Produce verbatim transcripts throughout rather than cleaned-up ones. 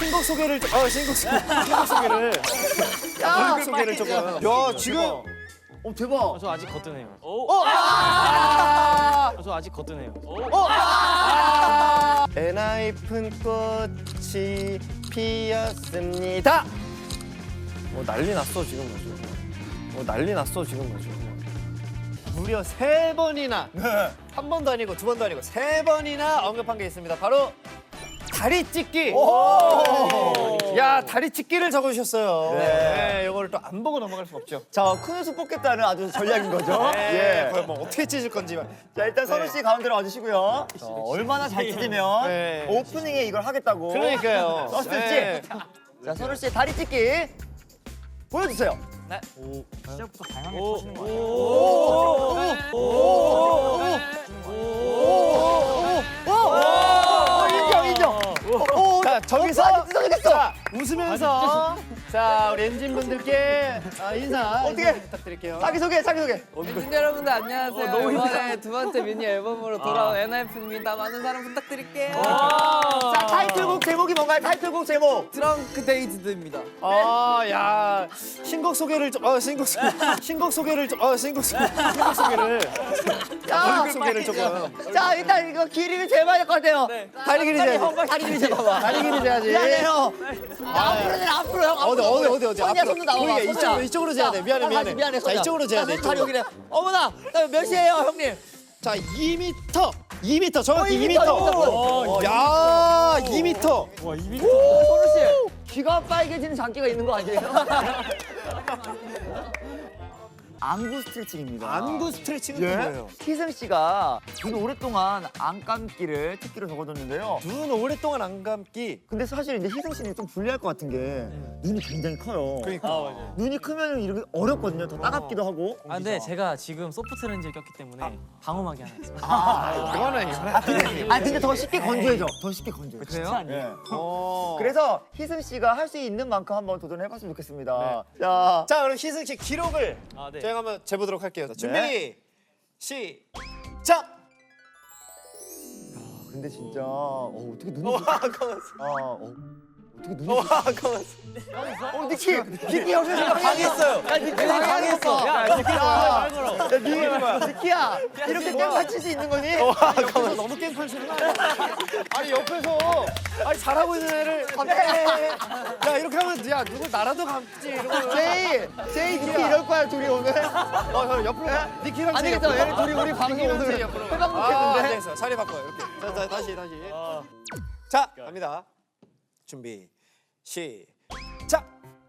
신곡 소개를 좀, 어 신곡 소개, 신곡 소개를, 야, 신곡 소개를 조금. 야 지금, 어 대박. 저 아직 거뜬해요. 어, 아! 저 아직 거뜬해요. 어, 아! 엔하이픈 꽃이 피었습니다. 어 난리 났어 지금 아주. 어 난리 났어 지금 아주. 무려 세 번이나, 한 번도 아니고 두 번도 아니고 세 번이나 언급한 게 있습니다. 바로 다리 찢기. 야 다리 찢기를 적어주셨어요. 네, 이거를 또 안 보고 넘어갈 수 없죠. 자, 큰 웃음 뽑겠다는 아주 전략인 거죠. 네, 예. 그걸 뭐 어떻게 찢을 건지만. 자, 일단 선우 씨 가운데로 와주시고요. 자, 얼마나 잘 찢으면 네. 오프닝에 이걸 하겠다고. 그러니까요. 썼을지. 네. 자, 선우 씨의 다리 찢기 보여주세요. 시작부터 다양하게 터지는 거 오, 인정, 인정. 오, 자 저기서 어, 찢어지겠어. 자, 웃으면서 자 우리 엔진 분들께 아, 인사 어떻게? 인사 부탁드릴게요. 자기 소개, 자기 소개. 엔진 여러분들 안녕하세요. 이번에 두 번째 미니 앨범으로 돌아온 엔하이픈입니다. 많은 사랑 부탁드릴게요. 자, 타이틀곡 제목이 뭔가요? 타이틀곡 제목. 드렁크 데이즈드입니다. 아야 신곡 소개를 좀, 어 신곡 소개, 신곡 소개를 좀, 어 신곡 소개, 신곡 소개를, 야 신곡 소개를 조금. 자, 일단 이거 길이를 재봐야 될 것 같아요. 다리 길이 재야지. 다리 길이 재봐봐. 다리 길이 재야지. 미안해요. 앞으로 내 앞으로 형. 어디 어디 어디 어디 손이야, 앞으로. 손도 나와. 보이게 이쪽으로 이쪽으로 재야 돼. 미안해 미안해. 미안해. 자 이쪽으로 재야 돼. 다리 이쪽으로. 여기래. 어머나, 나 몇 시에요, 형님? 자 이 미터, 이 미터 정확히 어, 이 이 미터, 미터. 이 미터. 어, 야 이 미터. 선우 씨, 귀가 빨개지는 장기가 있는 거 아니에요? 안구 스트레칭입니다. 안구 스트레칭은 예? 뭐예요? 희승 씨가 눈 오랫동안 안 감기를 특기로 적어줬는데요. 눈 오랫동안 안 감기. 근데 사실 이제 희승 씨는 좀 불리할 것 같은 게 눈이 굉장히 커요. 그러니까. 눈이 크면 이렇게 어렵거든요. 더 따갑기도 하고. 아 근데 제가 지금 소프트 렌즈를 꼈기 때문에 방어막이 하나 있습니다. 아, 이거는 이거는. 아 근데, 아, 근데 더 쉽게 건조해져. 더 쉽게 건조해. 그래요? 예. 어. 그래서 희승 씨가 할 수 있는 만큼 한번 도전해봤으면 좋겠습니다. 자, 자 그럼 희승 씨 기록을 아, 네. 저희가 한번 재보도록 할게요. 자, 준비 네. 시작. 근데 진짜 어, 어떻게 눈이 와 아, 가만있어. 어, 어떻게 눈이 와 가만있어. 어, 니키! 니키 형님 방해했어요. 야, 니키 방해했어. 야, 니키 야, 야, 니, 니키야, 이렇게 깽판 칠 수 있는 거니? 옆에서 너무 깽판 치는 거 아니야? 아니 옆에서 아니 잘하고 있는 애를 갑자기 야 이렇게 하면 야 누굴 나라도 감지 이러고. 제이, 제이 니키 이럴 거야, 둘이 오늘. 어, 저 옆으로 가. 니키랑 안 제이 되겠어, 옆으로 얘네 가. 둘이 우리 방송 니키랑 오늘 제이 옆으로 가. 회방 아, 안 못했는데. 되겠어. 자리 바꿔요. 이렇게. 자, 자, 다시 다시. 자, 갑니다. 준비 시작.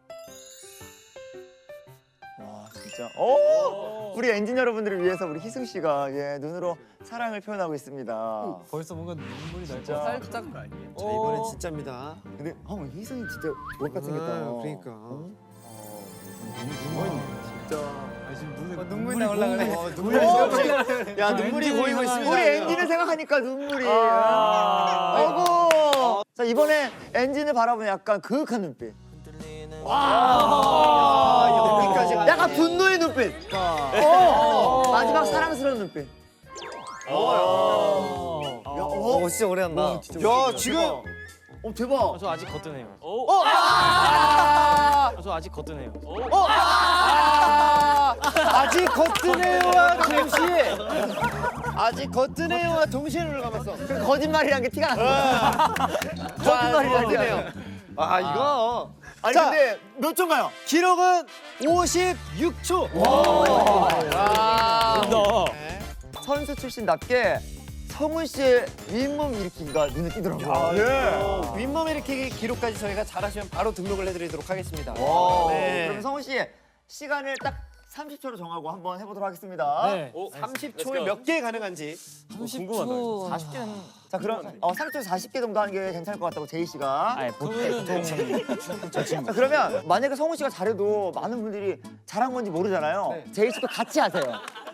와, 진짜. 오! 우리 엔진 여러분들을 위해서 우리 희승 씨가 예, 눈으로 사랑을 표현하고 있습니다. 벌써 뭔가 눈물이 날 진짜. 살짝 자, 이번엔 진짜입니다. 근데 형 희승이 진짜 못 같은 겠다. 아, 그러니까. 어, 눈물 진짜. 지금 눈에 눈물 나올라 그래. 어, 눈물이 지금- 야, 눈물이 엔진이 고이고 있습니다. 우리 엔진을 생각하니까 눈물이. 아. 아이고. 자, 이번에 엔진을 바라보는 약간 그윽한 눈빛. 아, 여기까지 가네. 약간 분노의 눈빛. 어. 마지막 사랑스러운 눈빛. 어, 진짜 오래 한다. 야, 지금 어, 대박. 저 아직 거뜬해요. 저 아직 거뜬해요. 아직 거뜬해요와 동시에 아직 거뜬해요와 동시에 눈을 감았어. 그 거짓말이란 게 티가 나. 거짓말이란 게 나요. 아, 이거. 아니 자. 근데 몇 초인가요? 기록은 오십육 초. 와. 너. 선수 출신답게 성훈 씨의 윗몸 일으키기가 눈에 띄더라고요. 어, 윗몸 일으키기 기록까지 저희가 잘하시면 바로 등록을 해드리도록 하겠습니다. 와. 네. 그럼 성훈 씨 시간을 딱 삼십 초로 정하고 한번 해보도록 하겠습니다. 네. 삼십 초에 몇 개 가능한지. 삼십 초. 사십 개는 자 그럼 어, 삼십 초에서 사십 개 정도 하는 게 괜찮을 것 같다고 제이 씨가. 아니 보통 자 그러면 만약에 성훈 씨가 잘해도 많은 분들이 잘한 건지 모르잖아요. 제이 씨도 같이 하세요.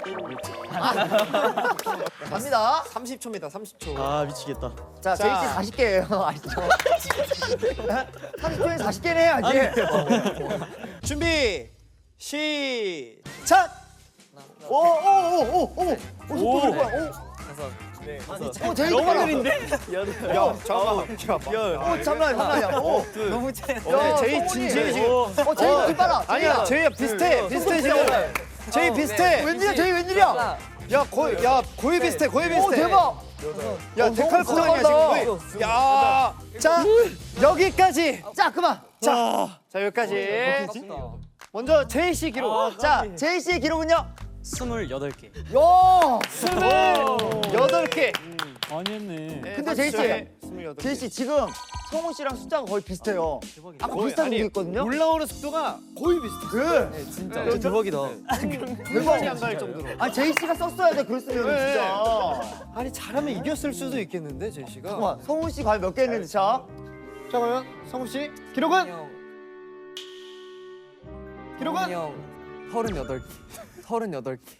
갑니다. 삼십 초입니다. 삼십 초. 아 미치겠다. 자, 제이 씨 사십 개예요. 아시죠? 삼십 초에 사십 개는 해야지. 준비 시작. 오오오오오 오. 오. 오. 오. 오. 그래서 오 제이 너무 느린데? 야 잠깐만. 오 잠깐만 잠깐만요. 오 너무 체. 야, 제이 진지해 지금. 어, 제이 좀 빨라. 아니야 제이야 비슷해 비슷해 지금. 제이 비슷해. 웬일이야, 제이 웬일이야? 야 거의 야 거의 비슷해 거의 비슷해. 오 대박. 야 데칼코마니야 지금 거의. 야. 자 여기까지. 자 그만. 자, 자 여기까지. 먼저 제이 씨 기록. 자 제이 씨의 기록은요? 스물여덟 개. 요. 여덟 개. 많이 했네. 근데 제이 씨, 스물여덟 개. 제이 씨 지금 성훈 씨랑 숫자가 거의 비슷해요. 아까 비슷한 아니, 게 있거든요. 올라오는 속도가 거의 비슷해. 네. 진짜 대박이다. 대박이 안 갈 정도로. 아 제이 씨가 썼어야 돼 그랬으면 네. 진짜. 아니 잘하면 이겼을 수도 있겠는데 제이 씨가. 잠깐만 성훈 씨 과연 몇 개 했는지 자. 자 그러면 성우 씨 기록은 기록은 형 서른여덟 개. 서른여덟 개.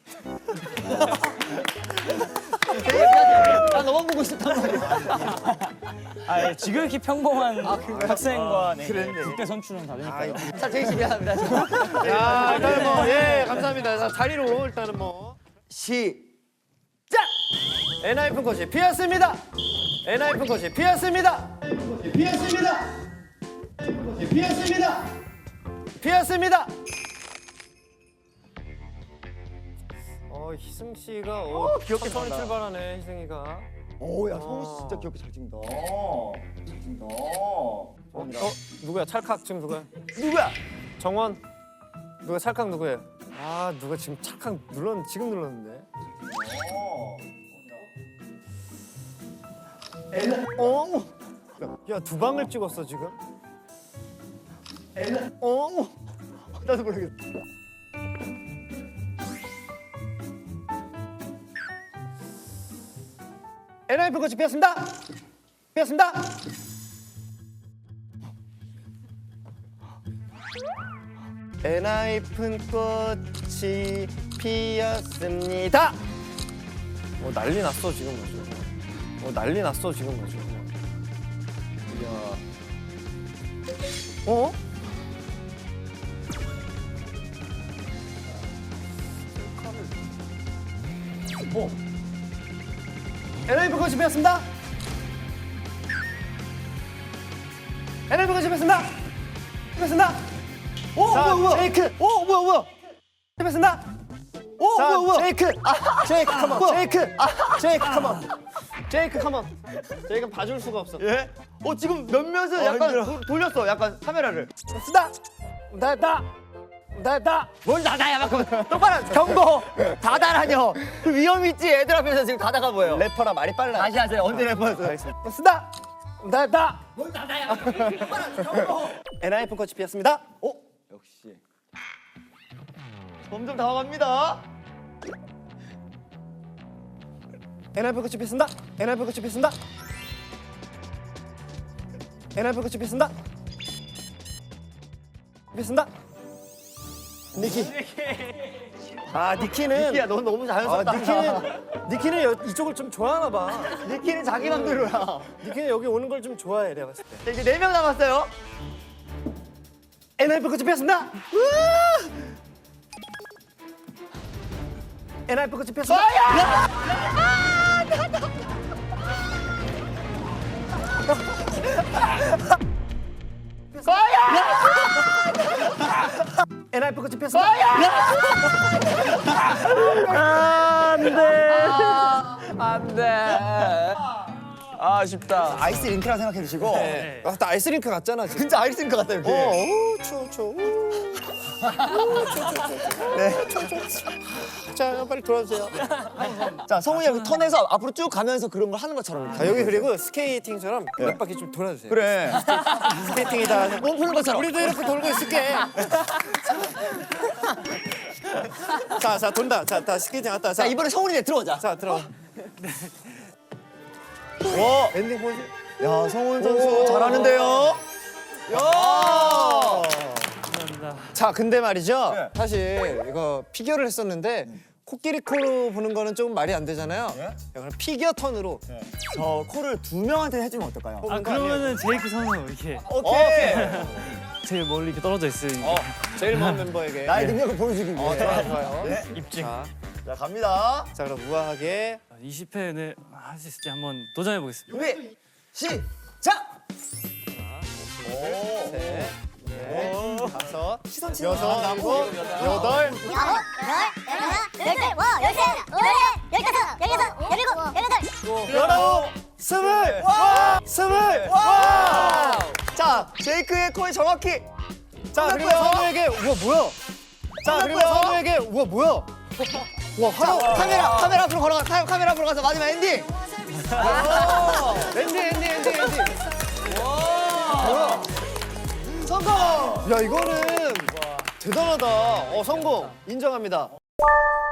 나 너만 보고 싶단 말이야. 아, 지금 이렇게 평범한 학생과 네, 그랬네. 국대 선출은 다르니까요. 자 제이 씨 미안합니다. 야 일단은 뭐예 감사합니다. 자, 자리로 일단은 뭐 시. 엔하이픈 코치 피었습니다. 엔하이픈 코치 피었습니다. 피었습니다. 피었습니다. 피었습니다. 어 희승 씨가 어, 귀엽게 천천히 잘한다. 출발하네 희승이가. 오야 성훈 씨 진짜 귀엽게 잘 찍는다. 잘 찍는다. 어, 어 누구야 찰칵 지금 누구야? 누구야? 정원 누가 찰칵 누구예요? 아 누가 지금 찰칵 눌렀 지금 눌렀는데. 어? 야 두 방을 찍었어 지금. 어? 나도 모르겠어. 엔하이픈 코치 피었습니다. 피었습니다. 엔하이픈 꽃이 피었습니다. 뭐 난리 났어 지금 뭐죠? 뭐 난리 났어 지금 뭐죠? 이야. 어? 어? 엔하이픈 꽃이 피었습니다. 엔하이픈 꽃이 피었습니다. 피었습니다. 오 자, 뭐야 뭐야? 제이크. 오 뭐야 뭐야? 피었습니다. 오 자, 뭐야 뭐야? 제이크. 아, 제이크 컴온. 제이크. 제이크 컴온. 제이크 컴온. 제이크 봐줄 수가 없어. 예? 어 지금 몇몇은 약간 힘들어. 도, 돌렸어. 약간 카메라를. 쓰다. 나다. 나다. 뭘 다다야 막 똑바로 경고. 다다라뇨. 그 위험 있지 애들 앞에서 지금 다다가 뭐예요? 래퍼라 말이 빨라. 다시 하세요. 언제 래퍼였어요? 쓰다. 나다. 뭘 나다야. 엔하이픈 코치 피었습니다. 어? 역시. 점점 당황합니다. 엔하이픈 코치 피었습니다. 엔하이픈 코치 피었습니다. 엔하이픈 코치 피었습니다. 피었습니다. 니키. 아 니키는 니키야, 넌 너무 아 자연스럽다. 니키는 니키는 여- 이쪽을 좀 좋아하나 봐. 니키는 자기 맘대로야. 니키는 여기 오는 걸 좀 좋아해 내가 봤을 때. 자, 이제 네 명 남았어요. 엔하이픈 코치 피었습니다. 엔하이픈 코치 피었습니다. 엔하이픈 코치 피었습니다. 안돼. 아쉽다. 아이스 링크라 생각해 주시고. 아, 나 아이스링크 같잖아 지금. 진짜 아이스 링크 같다 이렇게. 어, 오, 추워, 추워. 우. 네. 자, 빨리 돌아주세요. 자, 성훈이 형 턴에서 앞으로 쭉 가면서 그런 걸 하는 것처럼. 자, 여기 그리고 스케이팅처럼 몇 바퀴 좀 돌아주세요. 그래. 스케이팅이다. 몸 푸는 것처럼. 우리도 이렇게 돌고 있을게. 자, 자, 돈다. 자, 다 스케이팅 왔다. 자, 자, 이번에 성훈이네 들어오자. 자, 들어가. 와. 엔딩 포즈. 야, 성훈 선수 오. 잘하는데요. 야. 자, 근데 말이죠. 네. 사실 이거 피겨를 했었는데 코끼리 코로 보는 거는 조금 말이 안 되잖아요. 예? 야, 그럼 피겨 턴으로. 저 코를 두 명한테 해주면 어떨까요? 아, 뽑는 거 아니에요? 그러면은 제이크 선수 이렇게 오케이. 제일 멀리 이렇게 떨어져 있으니까. 어, 제일 먼 멤버에게. 나의 능력을 보여주기 위해. 어, 좋아요, 좋아요. 네. 입증. 자, 자, 갑니다. 자, 그럼 우아하게. 이십 회는 아, 할 수 있을지 한번 도전해 보겠습니다. 준비 시작. 다섯, 여섯, 일곱, 여덟. 열아홉, 스물, 와, 스물, 와. 자, 제이크의 코에 정확히. 자, 그리고 선우에게 우와 뭐야? 자, 그리고 선우에게 우와 뭐야? 와, 자, 하루 카메라 카메라 앞으로 걸어가. 카- 카메라 앞으로 가서 마지막 엔딩. 엔딩, 엔딩, 엔딩, 엔딩. 뭐야? 성공! 야, 이거는 대단하다. 어, 성공. 인정합니다.